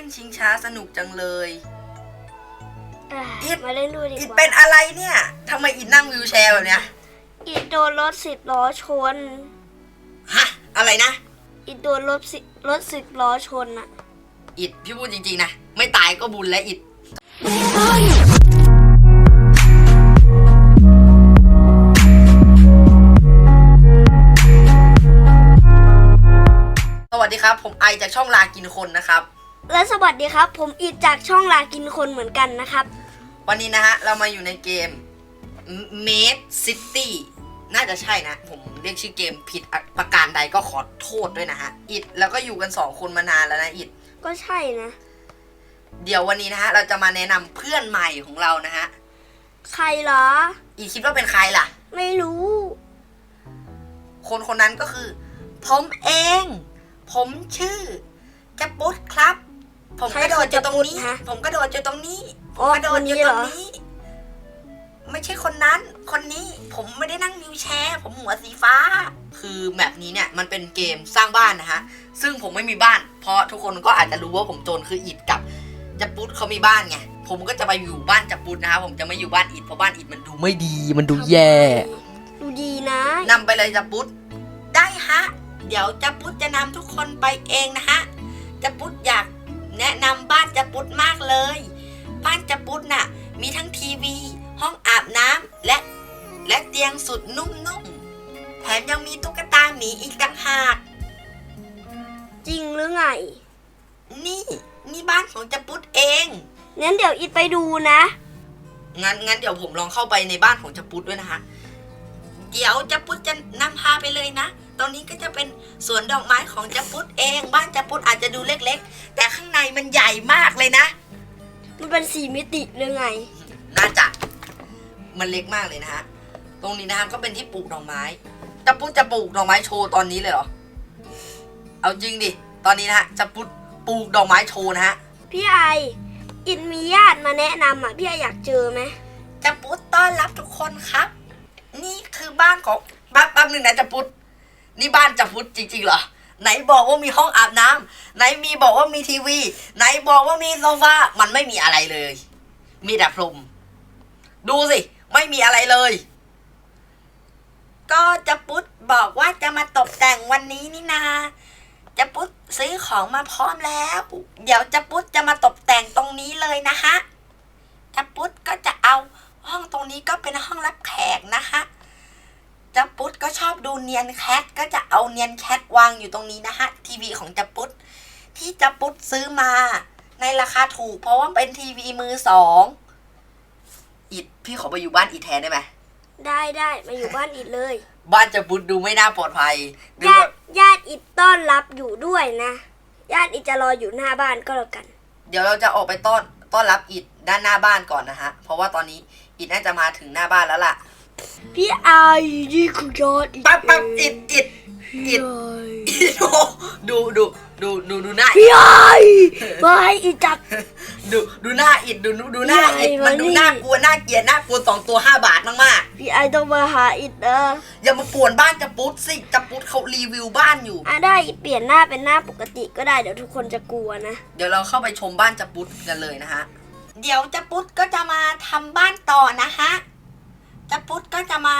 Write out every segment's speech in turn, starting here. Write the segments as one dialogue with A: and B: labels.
A: นชิงช้าสนุกจังเลยอิด
B: มาเล่นด้วยดีกว่า
A: อิดเป็นอะไรเนี่ยทำไมอิดนั่งวิวแชร์แบบเนี้ย
B: อิดโดนรถ10 ล้อชน
A: ฮะอะไรนะ
B: อิดโดนรถ10 ล้อชนอะ
A: อิดพี่พูดจริงๆนะไม่ตายก็บุญแล้วอิดสวัสดีครับผมไอจากช่องลากินคนนะครับ
B: และสวัสดีครับผมอิดจากช่องลากินคนเหมือนกันนะครับ
A: วันนี้นะฮะเรามาอยู่ในเกม Made City น่าจะใช่นะผมเรียกชื่อเกมผิดประการใดก็ขอโทษด้วยนะฮะอิดแล้วก็อยู่กัน2คนมานานแล้วนะอิด
B: ก็ใช่นะ
A: เดี๋ยววันนี้นะฮะเราจะมาแนะนำเพื่อนใหม่ของเรานะฮะ
B: ใครเหรอ
A: อิดคิดว่าเป็นใครล่ะ
B: ไม่รู้
A: คนนั้นก็คือผมเองผมชื่อจะปุ๊ดครับผมกระโดดอยู่ตรงนี้ผมกระโดดอยู่ตรงนี้ผมกระโดดอยู่ตรงนี้ไม่ใช่คนนั้นคนนี้ผมไม่ได้นั่งวิวแชร์ผมหัวสีฟ้าคือแบบนี้เนี่ยมันเป็นเกมสร้างบ้านนะฮะซึ่งผมไม่มีบ้านเพราะทุกคนก็อาจจะรู้ว่าผมโจรคืออิดกับจะปุ๊ดเขามีบ้านไงผมก็จะไปอยู่บ้านจะปุ๊ดนะครับผมจะไม่อยู่บ้านอิดเพราะบ้านอิดมันดูไม่ดีมันดูแย่
B: ดูดีนะ
A: นำไปเลยจะปุ๊ดได้ฮะเดี๋ยวจะปุ๊ดจะนำทุกคนไปเองนะฮะจะปุ๊ดอยากแนะนำบ้านจะปุ๊ดมากเลยบ้านจะปุ๊ดน่ะมีทั้งทีวีห้องอาบน้ำและเตียงสุดนุ่มๆแถมยังมีตุ๊กตาหมีอีกต่างหาก
B: จริงหรือไง
A: นี่บ้านของจะปุ๊ดเอง
B: งั้นเดี๋ยวอิดไปดูนะ
A: งั้นเดี๋ยวผมลองเข้าไปในบ้านของจะปุ๊ดด้วยนะคะเดี๋ยวจะปุ๊ดจะนำพาไปเลยนะตรงนี้ก็จะเป็นสวนดอกไม้ของจะปุ๊ดเองบ้านจะปุ๊ดอาจจะดูเล็กๆแต่ข้างในมันใหญ่มากเลยนะ
B: มันเป็น4 มิติหรือไง
A: น่าจะมันเล็กมากเลยนะฮะตรงนี้นะฮะก็เป็นที่ปลูกดอกไม้จะปุ๊ดจะปลูกดอกไม้โชว์ตอนนี้เลยเหรอเอาจริงดิตอนนี้นะฮะจะปุ๊ดปลูกดอกไม้โชว์นะฮะ
B: พี่ไออินมีญาติมาแนะนำอ่ะพี่ไออยากเจอไหม
A: จะปุ๊ดต้อนรับทุกคนครับนี่คือบ้านของแป๊บนึงนะจะปุ๊ดนี่บ้านจะปุ๊ดจริงๆเหรอไหนบอกว่ามีห้องอาบน้ำไหนมีบอกว่ามีทีวีไหนบอกว่ามีโซฟามันไม่มีอะไรเลยมีแต่พรมดูสิไม่มีอะไรเลยก็จะปุ๊ดบอกว่าจะมาตกแต่งวันนี้นี่นาจะปุ๊ดซื้อของมาพร้อมแล้วเดี๋ยวจะปุ๊ดจะมาตกแต่งตรงนี้เลยนะฮะจะปุ๊ดก็จะเอาห้องตรงนี้ก็เป็นห้องรับแขกนะฮะจะปุ๊ดก็ชอบดูเนียนแคทก็จะเอาเนียนแคทวางอยู่ตรงนี้นะฮะทีวีของจะปุ๊ดที่จะปุ๊ดซื้อมาในราคาถูกเพราะว่าเป็นทีวีมือ2อิดพี่ขอไปอยู่บ้านอิดแทนได้ไหม
B: ได้มาอยู่บ้านอิดเลย
A: บ้านจะปุ๊ดดูไม่น่าปลอดภัย
B: ญาติอิดต้อนรับอยู่ด้วยนะญาติอิดจะรออยู่หน้าบ้านก็แล้วกัน
A: เดี๋ยวเราจะออกไปต้อนรับอิดด้านหน้าบ้านก่อนนะฮะเพราะว่าตอนนี้อิดน่าจะมาถึงหน้าบ้านแล้วล่ะ
B: พี่ไอนี่คือยอดอิด
A: ปั๊บอิดดูหน้า
B: พี่ไอมาให้อิดจับ
A: ดูหน้าอิดดูหน้าอิดมันดูน่ากลัวน่าเกลียดน่ากลัว2 ตัว5 บาทมาก
B: ๆพี่ไอต้องมาหาอิดนะ
A: อย่ามาป่วนบ้านจะปุ๊ดสิจะปุ๊ดเขารีวิวบ้านอยู่
B: ได้เปลี่ยนหน้าเป็นหน้าปกติก็ได้เดี๋ยวทุกคนจะกลัวนะ
A: เดี๋ยวเราเข้าไปชมบ้านจะปุ๊ดกันเลยนะฮะเดี๋ยวจะปุ๊ดก็จะมาทำบ้านต่อนะฮะจะปุ๊ดก็จะมา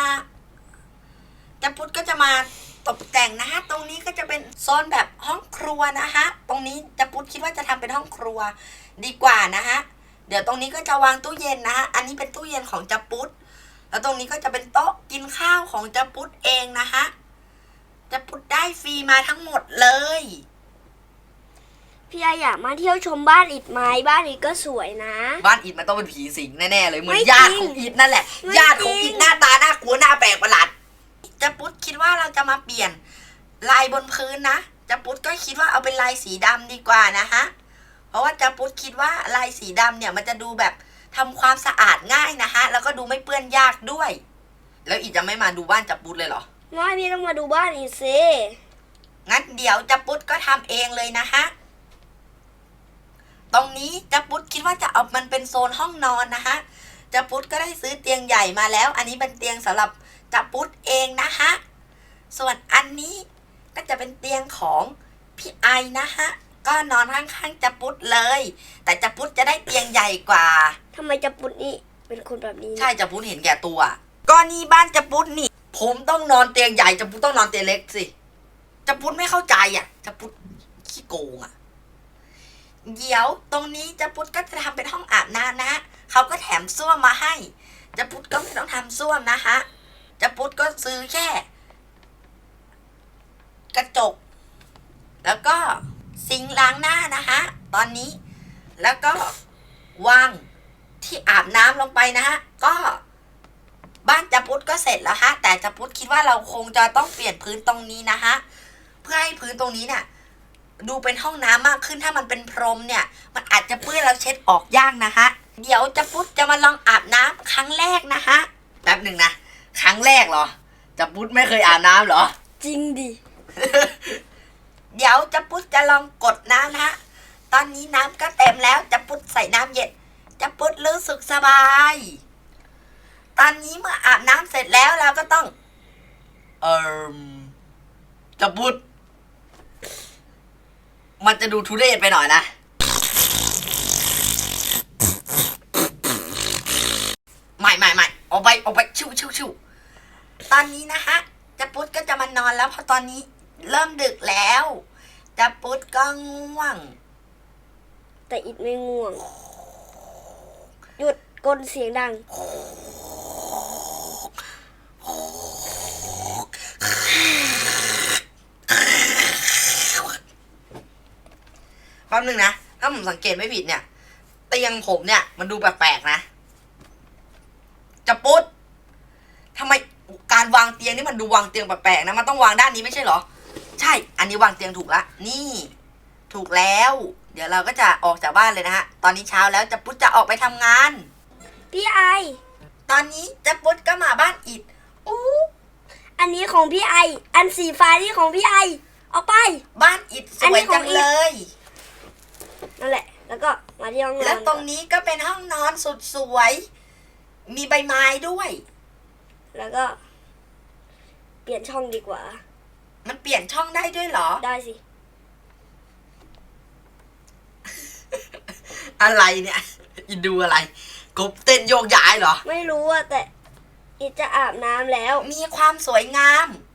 A: ตกแต่งนะฮะตรงนี้ก็จะเป็นโซนแบบห้องครัวนะฮะตรงนี้จะปุ๊ดคิดว่าจะทำเป็นห้องครัวดีกว่านะฮะเดี๋ยวตรงนี้ก็จะวางตู้เย็นนะฮะอันนี้เป็นตู้เย็นของจะปุ๊ดแล้วตรงนี้ก็จะเป็นโต๊ะกินข้าวของจะปุ๊ดเองนะฮะจะปุ๊ดได้ฟรีมาทั้งหมดเลย
B: พี่ไออยากมาเที่ยวชมบ้านอิดไหมบ้านอิดก็สวยนะ
A: บ้านอิดมันต้องเป็นผีสิงแน่ๆเลยเหมือนญาติของอิดนั่นแหละญาติของอิดหน้าตาน่ากลัวหน้าแปลกประหลาดจะปุ๊ดคิดว่าเราจะมาเปลี่ยนลายบนพื้นนะจะปุ๊ดก็คิดว่าเอาเป็นลายสีดำดีกว่านะฮะเพราะว่าจะปุ๊ดคิดว่าลายสีดำเนี่ยมันจะดูแบบทำความสะอาดง่ายนะฮะแล้วก็ดูไม่เปื้อนยากด้วยแล้วอิดจะไม่มาดูบ้านจะปุ๊ดเลยเหรอ
B: ไม่พี่ต้องมาดูบ้านอิดสิ
A: งั้นเดี๋ยวจะปุ๊ดก็ทำเองเลยนะฮะตรงนี้จะปุ๊ดคิดว่าจะเอามันเป็นโซนห้องนอนนะฮะจะปุ๊ดก็ได้ซื้อเตียงใหญ่มาแล้วอันนี้เป็นเตียงสำหรับจะปุ๊ดเองนะฮะส่วนอันนี้ก็จะเป็นเตียงของพี่ไอนะฮะก็นอนข้างๆจะปุ๊ดเลย แต่จะปุ๊ดจะได้เตียงใหญ่กว่า
B: ทำไมจะปุดนี่เป็นคนแบบนี้
A: ใช่จะปุ๊ดเห็นแก่ตัว ก็นี่บ้านจะปุ๊ดนี่ ผมต้องนอนเตียงใหญ่จะปุ๊ดต้องนอนเตียงเล็กสิจะปุ๊ดไม่เข้าใจอ่ะจะปุ๊ดขี้โกงอ่ะเดี๋ยวตรงนี้จะปุ๊ดก็จะทำเป็นห้องอาบน้ำนะฮะเขาก็แถมส้วมมาให้จะปุ๊ดก็ไม่ต้องทำส้วมนะฮะจะปุ๊ดก็ซื้อแค่ กระจก แล้วก็ซิงค์ล้างหน้านะคะ ตอนนี้ แล้วก็วางที่อาบน้ำลงไปนะฮะ ก็บ้านจะพุทธก็เสร็จแล้วฮะ แต่จะพุทธคิดว่าเราคงจะต้องเปลี่ยนพื้นตรงนี้นะฮะ เพื่อให้พื้นตรงนี้เนี่ยดูเป็นห้องน้ำมากขึ้น ถ้ามันเป็นพรมเนี่ย มันอาจจะเปื้อนแล้วเช็ดออกยากนะฮะ เดี๋ยวจะพุทธจะมาลองอาบน้ำครั้งแรกนะฮะ แป๊บหนึ่งนะ ครั้งแรกเหรอ จะพุทธไม่เคยอาบน้ำเหรอ
B: จริงดิ
A: เดี๋ยวจะปุ๊ดจะลองกดน้ำนะฮะ ตอนนี้น้ำก็เต็มแล้วจะปุ๊ดใส่น้ำเย็นจะปุ๊ดรู้สึกสบาย ตอนนี้เมื่ออาบน้ำเสร็จแล้วเราก็ต้อง จะปุ๊ดมันจะดูทุเรศไปหน่อยนะ ไม่เอาไปชิวตอนนี้นะฮะจะปุ๊ดก็จะมานอนแล้วเพราะตอนนี้เริ่มดึกแล้วจะปุ๊ดก็ง่วง
B: แต่อิดไม่ง่วง หยุดกลเสียงดัง
A: แป๊บนึงนะ ถ้าผมสังเกตไม่ผิดเนี่ย เตียงผมเนี่ย มันดูแปลกๆนะจะปุ๊ดทำไมการวางเตียงนี่มันดูวางเตียงแปลกๆนะ มันต้องวางด้านนี้ไม่ใช่เหรอ ใช่ อันนี้วางเตียงถูกละ นี่ ถูกแล้ว เดี๋ยวเราก็จะออกจากบ้านเลยนะฮะ ตอนนี้เช้าแล้วจะปุ๊ดจะออกไปทำงาน
B: พี่ไอ
A: ตอนนี้จะปุ๊ดก็มาบ้านอิดอู้
B: อันนี้ของพี่ไอ อันสีฟ้านี่ของพี่ไอ เอาไป
A: บ้านอิดสวยจังเลย
B: นั่นแหละ แล้วก็มาที่ห้องนอน
A: แล้วตรงนี้ก็เป็นห้องนอนสุดสวย มีใบไม้ด้วย
B: แล้วก็ เปลี่ยนช่องดีกว่า
A: มันเปลี่ยนช่องได้ด้วยเหรอ
B: ได้สิ
A: อะไรเนี่ยอินดูอะไรกบเต้นโยกย้ายเหรอ
B: ไม่รู้อะแต่อิดจะอาบน้ำแล้ว
A: มีความสวยงาม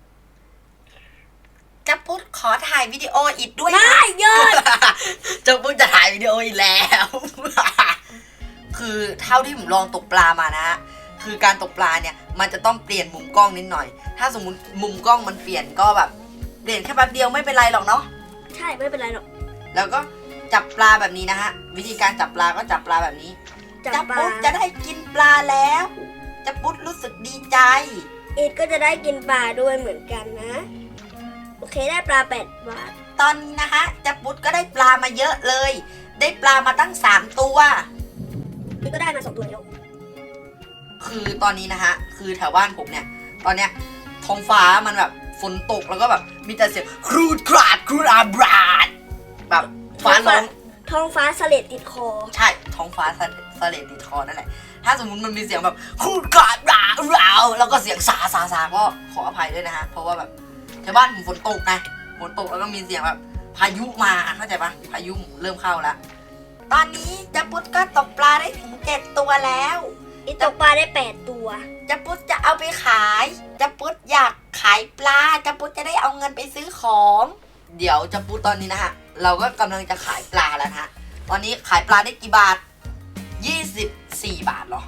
A: จะพูดขอถ่ายวิดีโออิดด้วย
B: ไม่
A: นะ
B: หยุด
A: จะพูดจะถ่ายวิดีโออีกแล้ว คือเท่าที่ผมลองตกปลามานะฮะคือการตกปลาเนี่ย มันจะต้องเปลี่ยนมุมกล้องนิดหน่อย ถ้าสมมติมุมกล้องมันเปลี่ยนก็แบบเปลี่ยนแค่แป๊บเดียวไม่เป็นไรหรอกเนาะ
B: ใช่ไม่เป็นไรหรอก
A: แล้วก็จับปลาแบบนี้นะฮะ วิธีการจับปลาก็จับปลาแบบนี้
B: จับปลา
A: ปุ๊ดจะได้กินปลาแล้วจะปุ๊ดรู้สึกดีใจ
B: อิดก็จะได้กินปลาด้วยเหมือนกันนะ โอเคได้ปลา8 บาท
A: ตอนนี้นะฮะจะปุ๊ดก็ได้ปลามาเยอะเลย ได้ปลามาตั้ง3 ตัว
B: อิดก็ได้มา2 ตัวแล้ว
A: คือตอนนี้นะฮะ คือแถวบ้านผมเนี่ย ตอนเนี้ยท้องฟ้ามันแบบฝนตกแล้วก็แบบมีแต่เสียงครูดคราดครูดอาบราดแบบฟ้าร้อง
B: ท้องฟ้าสเลดติดคอ
A: ใช่ท้องฟ้าสเลดติดคอนั่นแหละ ถ้าสมมุติมันมีเสียงแบบครูดคราดราวแล้วก็เสียงซาก็ขออภัยด้วยนะฮะ เพราะว่าแบบแถวบ้านผมฝนตกนะฝนตกแล้วก็มีเสียงแบบพายุมาเข้าใจปะพายุเริ่มเข้าแล้ว ตอนนี้จะปุ๊ดก็ตกปลาได้ถึง7 ตัวแล้ว
B: อิดตกปลาได้8 ตัว
A: จะปุ๊ดจะเอาไปขายจะปุ๊ดอยากขายปลาจะปุ๊ดจะได้เอาเงินไปซื้อของ เดี๋ยวจะปุ๊ดตอนนี้นะฮะ เราก็กำลังจะขายปลาแล้วนะฮะ ตอนนี้ขายปลาได้กี่บาท24 บาทเหรอ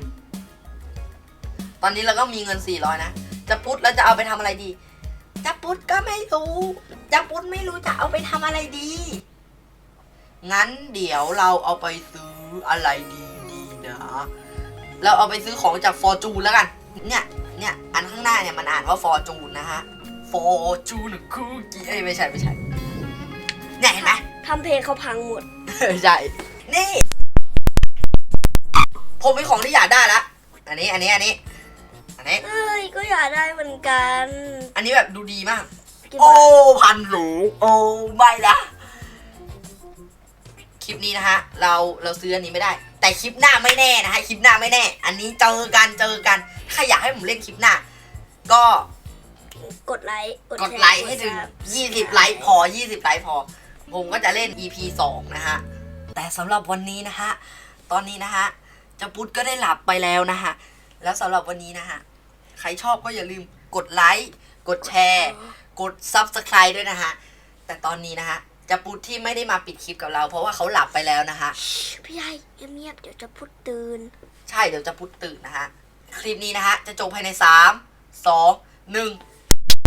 A: ตอนนี้เราก็มีเงิน400นะจะปุ๊ดแล้วจะเอาไปทำอะไรดีจะปุ๊ดก็ไม่รู้จะปุ๊ดไม่รู้จะเอาไปทำอะไรดี งั้นเดี๋ยวเราเอาไปซื้ออะไรดีนะ เราเอาไปซื้อของจากฟอร์จูนแล้วกัน เนี่ย อันข้างหน้าเนี่ยมันอ่านว่าฟอร์จูนนะฮะ ฟอร์จูนคุกกี้ไม่ใช่ เนี่ยเห็นไหม
B: ทำเพลงเขาพังหมด
A: ใช่ นี่ ผมมีของที่อยากได้ละอันนี้
B: เอ้ย ก็อยากได้เหมือนกัน
A: อันนี้แบบดูดีมาก
B: กี่
A: โอ้
B: บาท
A: 1,000 หรู โอ้ไม่นะคลิปนี้นะฮะ เราซื้ออันนี้ไม่ได้ แต่คลิปหน้าไม่แน่นะฮะ คลิปหน้าไม่แน่ อันนี้เจอกัน ถ้าอยากให้ผมเล่นคลิปหน้า ก็
B: กดไลค์
A: กดไลค์ให้ถึง20 ไลค์พอ 20 ไลค์พอผมก็จะเล่น EP 2นะฮะแต่สำหรับวันนี้นะฮะตอนนี้นะฮะเจ้าปุ๊ดก็ได้หลับไปแล้วนะฮะแล้วสำหรับวันนี้นะฮะใครชอบก็อย่าลืมกดไลค์กดแชร์กด Subscribe ด้วยนะฮะแต่ตอนนี้นะฮะเจ้าปุ๊ดที่ไม่ได้มาปิดคลิปกับเราเพราะว่าเขาหลับไปแล้วนะฮะ
B: พี่ใหญ่เงียบๆเดี๋ยวจะพูดตื่น
A: ใช่เดี๋ยวจะปุ๊ดตื่นนะฮะคลิปนี้นะฮะจะจบภายใน3 2 1